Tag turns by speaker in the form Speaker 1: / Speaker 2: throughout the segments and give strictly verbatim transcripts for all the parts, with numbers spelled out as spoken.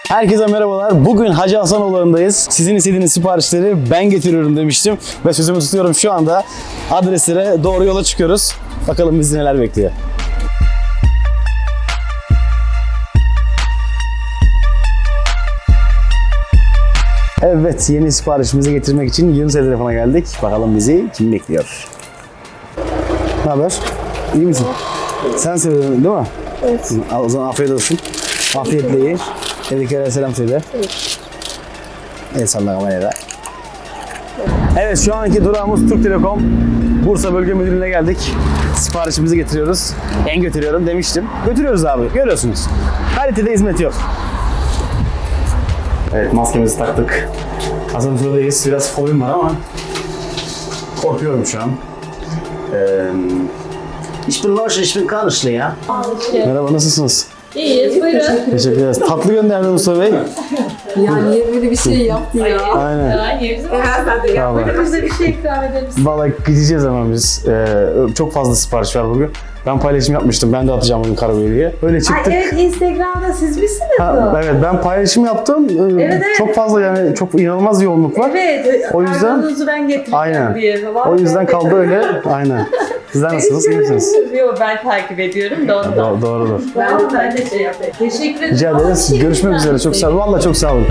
Speaker 1: Herkese merhabalar. Bugün Hacı Hasanoğulları'ndayız. Sizin istediğiniz siparişleri ben getiriyorum demiştim. Ve sözümü tutuyorum, şu anda adreslere doğru yola çıkıyoruz. Bakalım bizi neler bekliyor. Evet, yeni siparişimizi getirmek için Yunus'a telefona geldik. Bakalım bizi kim bekliyor? Ne haber? İyi misin? Sen söyledin değil mi?
Speaker 2: Evet.
Speaker 1: Al, o zaman afiyet olsun. Afiyetle ye. Evdekilere selam söyle.
Speaker 2: Evet.
Speaker 1: El salla kameraya. Evet, şu anki durağımız Türk Telekom. Bursa Bölge Müdürlüğü'ne geldik. Siparişimizi getiriyoruz. Ben götürüyorum demiştim. Götürüyoruz abi. Görüyorsunuz. Kalitede hizmet yok. Evet, maskemizi taktık. Asansördeyiz. Biraz fobim var ama korkuyorum şu an. Ee, ich bin Loş, ich bin Karışlı ya. Merhaba, nasılsınız?
Speaker 2: İyiyiz, buyurun.
Speaker 1: Teşekkür ederiz. Tatlı gönderdi Mustafa Bey.
Speaker 2: Yani niye böyle bir şey yaptı ya?
Speaker 1: Aynen.
Speaker 2: Evet, sen de yap.
Speaker 1: Tamam.
Speaker 2: Bize bir şey ikram edelim.
Speaker 1: Vallahi gideceğiz hemen biz. Ee, çok fazla sipariş var bugün. Ben paylaşım yapmıştım. Ben de atacağım bugün kargoya diye. Öyle çıktık.
Speaker 2: Ay evet, Instagram'da siz misiniz
Speaker 1: Ha,
Speaker 2: o?
Speaker 1: evet, ben paylaşım yaptım. Ee,
Speaker 2: Evet, evet.
Speaker 1: Çok fazla, yani çok inanılmaz yoğunluk var.
Speaker 2: Evet,
Speaker 1: O yüzden-
Speaker 2: kargonuzu ben getireceğim
Speaker 1: Aynen.
Speaker 2: diye. Vallahi
Speaker 1: O yüzden kaldı öyle. Aynen. Sizler nasılsınız? İyi misiniz?
Speaker 2: Yok, ben takip ediyorum da ondan.
Speaker 1: Do- doğrudur.
Speaker 2: Ben de, ben de şey yapayım. Teşekkür ederim.
Speaker 1: Rica
Speaker 2: Ama
Speaker 1: ederiz.
Speaker 2: bir şey
Speaker 1: Görüşmek
Speaker 2: ikram
Speaker 1: üzere. Çok sağ olun. Vallahi çok sağ olun.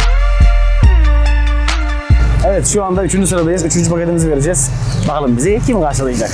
Speaker 1: Evet, şu anda üçüncü sıradayız. Üçüncü paketimizi vereceğiz. Bakalım bizi kim karşılayacak?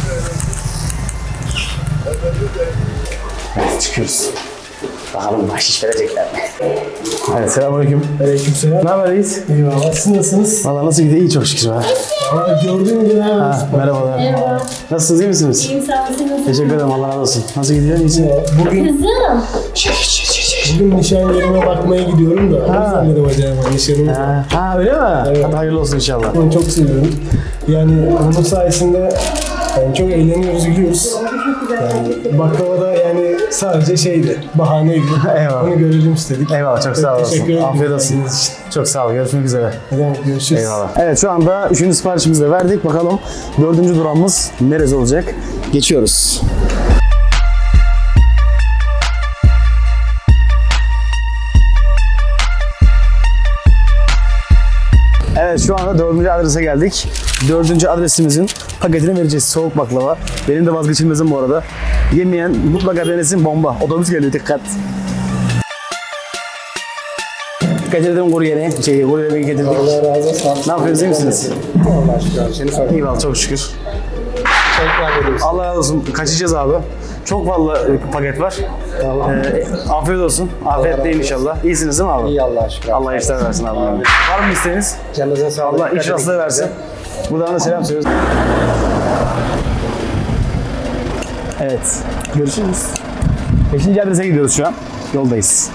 Speaker 1: Evet, çıkıyoruz. Bakalım bahşiş verecekler mi? Evet, selamünaleyküm.
Speaker 3: Aleykümselam.
Speaker 1: Ne haber, iyiyiz?
Speaker 3: Eyvallah. Siz nasılsınız?
Speaker 1: Valla nasıl gidiyor? İyi çok şükür. Ha.
Speaker 3: Aa, gördüğüm gibi hemen.
Speaker 1: Ha, merhabalar.
Speaker 4: Merhaba.
Speaker 1: Nasılsınız, iyi misiniz?
Speaker 4: İyiyim, sağ olun.
Speaker 1: Teşekkür ederim, Allah razı olsun. Nasıl gidiyor, iyisin?
Speaker 3: Bugün,
Speaker 4: Kızım.
Speaker 3: bugün nişan yerime bakmaya gidiyorum da. O yüzden dedim acaba nişanımız var.
Speaker 1: Ha, ha, öyle mi? Hadi hayırlı olsun inşallah.
Speaker 3: Onu çok seviyorum. Yani onun sayesinde yani çok eğleniyoruz, gülüyoruz. Yani baklava da yani sadece şeydi, bahaneydi.
Speaker 1: Eyvallah.
Speaker 3: Onu görelim istedik.
Speaker 1: Eyvallah, çok sağ olasın.
Speaker 3: Teşekkür ederim.
Speaker 1: Afiyet olsun. Çok sağ ol, görüşmek üzere.
Speaker 3: Ne demek, görüşürüz.
Speaker 1: Eyvallah. Evet, şu anda üçüncü siparişimizi de verdik. Bakalım dördüncü durağımız neresi olacak? Geçiyoruz. Evet, şu anda dördüncü adrese geldik. Dördüncü adresimizin paketini vereceğiz. Soğuk baklava. Benim de vazgeçilmezim bu arada. Yemeyen mutlaka denesin, bomba. Otobüs geliyor, dikkat. Getirdim kuryeni. Şey, kuryeni getirdik.
Speaker 3: Allah razı olsun.
Speaker 1: Ne yapıyorsunuz, iyi misiniz?
Speaker 3: Allah şükür. Seni sorayım.
Speaker 1: İyi vallahi, çok şükür.
Speaker 3: Tekrar ediyoruz.
Speaker 1: Allah razı olsun. Kaçacağız abi. Çok fazla e, paket var.
Speaker 3: Tamam.
Speaker 1: Ee, afiyet olsun. Afiyet değil inşallah. İyisiniz değil mi abi?
Speaker 3: İyi Allah'a şükür.
Speaker 1: Allah işler versin abi. Var mı isteğiniz?
Speaker 3: Canınıza sağlık.
Speaker 1: Allah iş rastlığı versin. Buradan da selam söylüyoruz. Evet. Görüşürüz. Beşinci adrese gidiyoruz şu an. Yoldayız.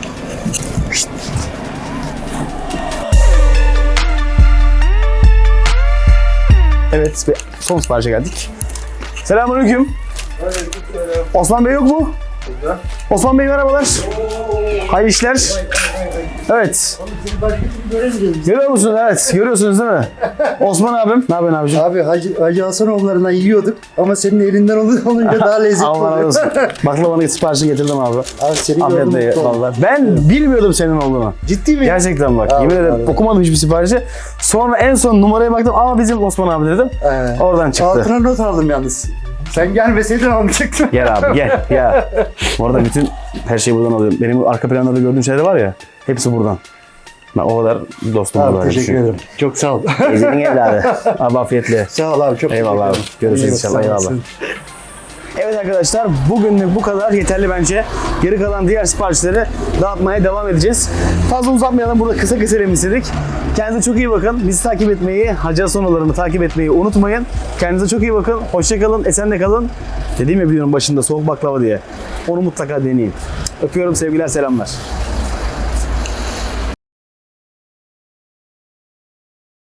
Speaker 1: Evet, ve son siparişe geldik. Selamünaleyküm. Osman Bey yok mu? Osman Bey merhabalar. Hayırlı işler. Evet. Görüyor musunuz? Evet. Görüyorsunuz değil mi? Osman abim. Ne yapıyorsun abiciğim?
Speaker 5: Abi Hacı, Hacı Hasanoğulları'ndan yiyorduk ama senin elinden ol- olunca daha lezzetli
Speaker 1: Allah razı
Speaker 5: oluyor.
Speaker 1: olsun. Baklavanın siparişini getirdim abi.
Speaker 5: Abi seni
Speaker 1: Afiyetle
Speaker 5: gördüm,
Speaker 1: ye
Speaker 5: mutlu oldum.
Speaker 1: vallahi. Ben bilmiyordum senin olduğunu.
Speaker 5: Ciddi mi?
Speaker 1: Gerçekten bak.
Speaker 5: Abi,
Speaker 1: Yemin ederim
Speaker 5: abi.
Speaker 1: okumadım hiçbir siparişi. Sonra en son numaraya baktım. Aa, bizim Osman abi dedim.
Speaker 5: Ee,
Speaker 1: Oradan çıktı.
Speaker 5: Altına not aldım yalnız. Sen gelmeseydin almayacaktım.
Speaker 1: Gel abi gel ya. Bu arada bütün her şeyi buradan alıyorum. Benim arka planda da gördüğün şeyler var ya. Hepsi buradan. Ben o kadar dostum
Speaker 5: Abi
Speaker 1: var.
Speaker 5: teşekkür ederim. Çok sağ ol.
Speaker 1: Ezinin evladı. Abi afiyetle.
Speaker 5: Sağ ol abi, çok
Speaker 1: Eyvallah abi.
Speaker 5: teşekkür ederim.
Speaker 1: Görüşürüz
Speaker 5: İyi bak,
Speaker 1: inşallah.
Speaker 5: sağ
Speaker 1: Eyvallah.
Speaker 5: olasın.
Speaker 1: Evet arkadaşlar, bugünlük bu kadar yeterli bence. Geri kalan diğer siparişleri dağıtmaya devam edeceğiz. Fazla uzatmayalım, burada kısa keselim istedik. Kendinize çok iyi bakın. Bizi takip etmeyi, Hacı Hasanoğulları'nı takip etmeyi unutmayın. Kendinize çok iyi bakın. Hoşça kalın, esenle kalın. Dediğim ya videonun başında soğuk baklava diye. Onu mutlaka deneyin. Öpüyorum, sevgiler, selamlar.